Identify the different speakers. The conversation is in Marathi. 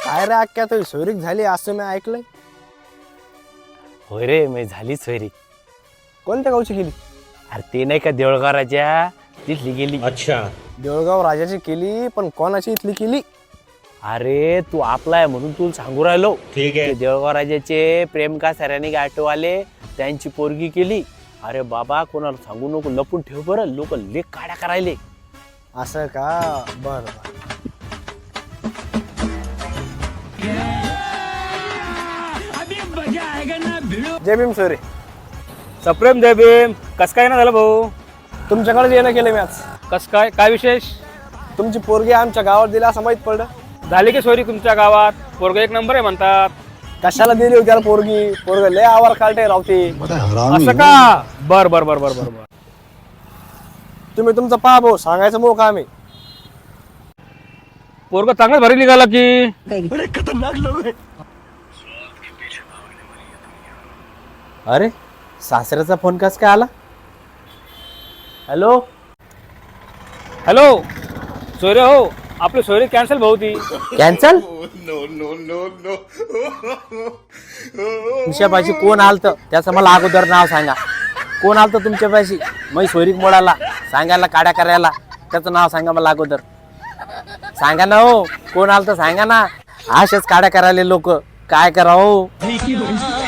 Speaker 1: काय रे अक्क्या तुझी सोयरीक झाली असं मी ऐकलंय.
Speaker 2: होय रे मी झाली सोयरी.
Speaker 1: कोणत्या गावची केली?
Speaker 2: अरे ते नाही का देऊळगाव तिथली गेली.
Speaker 3: अच्छा.
Speaker 1: देऊळगाव राजाची केली पण कोणाची इथली केली?
Speaker 2: अरे तू आपला आहे म्हणून तू सांगू राहिलो.
Speaker 3: ठीक है.
Speaker 2: ते देऊळगाव राजाचे प्रेम का सरांनी ऑटोवाले त्यांची पोरगी केली. अरे बाबा कोणाला सांगू नको, लपून ठेव बरं, लोक लेख काड्या करायले.
Speaker 1: असं का? बर जय भीम सोयरे.
Speaker 4: सप्रेम जय भीम. कस काय ना झालं भाऊ?
Speaker 1: तुमच्याकडे येणं केलं मी आज.
Speaker 4: कस काय काय विशेष?
Speaker 1: तुमची पोरगी आमच्या गावात दिली असं माहित पडलं.
Speaker 4: झाली की सोयरी तुमच्या गावात? पोरग एक नंबर आहे म्हणतात.
Speaker 1: कशाला दिली होती त्याला पोरगी? पोरग लय आवार काढते रावते.
Speaker 4: असं का? बर बर बर बर बर बर.
Speaker 1: तुम्ही तुमचं पहा भाऊ, सांगायचं मोका आम्ही.
Speaker 4: पोरग चांगलाच भारी निघाला की.
Speaker 2: अरे सासऱ्याचा फोन कस काय आला? हॅलो
Speaker 4: हॅलो सोयरे हो, आपली सोयरी कॅन्सल भाऊ ती.
Speaker 2: कॅन्सल? तुमच्यापाशी कोण आलत त्याचं मला अगोदर नाव सांगा. कोण आलत तुमच्यापाशी? मी सोयरीक मोडाला सांगायला काड्या करायला, त्याचं नाव सांगा मला अगोदर. सांगा ना हो, कोण आलत सांगा ना. असेच काड्या करायला लोक, काय करावं.